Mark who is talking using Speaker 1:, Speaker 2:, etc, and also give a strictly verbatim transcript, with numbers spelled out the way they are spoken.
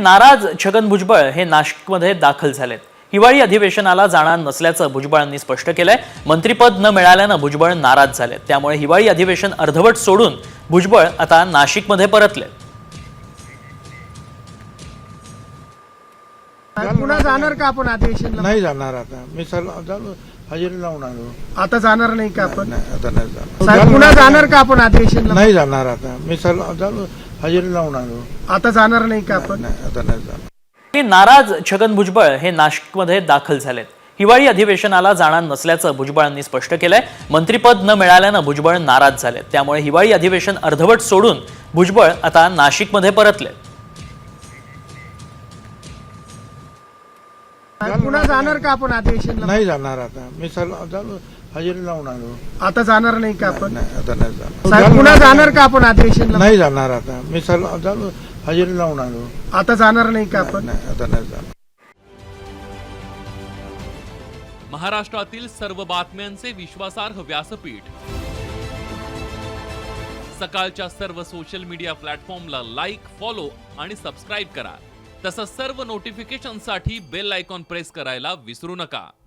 Speaker 1: नाराज छगन भुजबळ हे नाशिकमध्ये दाखल झालेत। हिवाळी अधिवेशनाला जाणार नसल्याचं भुजबळांनी स्पष्ट केलंय। मंत्रिपद न मिळाल्यानं भुजबळ नाराज झालेत, त्यामुळे हिवाळी अधिवेशन अर्धवट सोडून भुजबळ आता नाशिकमध्ये परतले।
Speaker 2: पुन्हा जाणार का आपण अधिवेशनला?
Speaker 3: नाही जाणार आता मी सर्व हजेरी लावून आलो।
Speaker 2: आता जाणार नाही का आपण?
Speaker 3: नाही आता नाही जाणार।
Speaker 2: साहेब पुन्हा जाणार का आपण अधिवेशनला?
Speaker 3: नाही जाणार आता मी सर्व हजेरी लावून आलो।
Speaker 2: आता जाणार नाही का आपण?
Speaker 3: नाही आता नाही जाणार।
Speaker 1: नाराज छगन भुजबळ हे नाशिकमध्ये दाखल झालेत। हिवाळी अधिवेशनाला जाणार नसल्याचं भुजबळांनी स्पष्ट केलंय। मंत्रिपद न मिळाल्यानं भुजबळ नाराज झालेत, त्यामुळे हिवाळी अधिवेशन अर्धवट सोडून भुजबळ आता नाशिकमध्ये परतले।
Speaker 2: पुन्हा जाणार का आपण अधिवेशनला?
Speaker 3: नाही जाणार आता मी सर्व हजेरी लावून आलो।
Speaker 2: आता जाणार नाही का आपण?
Speaker 3: नाही आता नाही जाणार।
Speaker 2: साहेब पुन्हा जाणार का आपण अधिवेशनला?
Speaker 3: नाही जाणार आता मी सर्व हजेरी लावून आलो।
Speaker 2: आता जाणार नाही का आपण?
Speaker 3: नाही आता नाही जाणार।
Speaker 4: महाराष्ट्रातील सर्व बातम्यांचे विश्वासार्ह व्यासपीठ, सकाळच्या सर्व सोशल मीडिया प्लॅटफॉर्मला लाईक, फॉलो आणि सबस्क्राईब करा। तसंच सर्व नोटिफिकेशनसाठी बेल आयकॉन प्रेस करायला विसरू नका।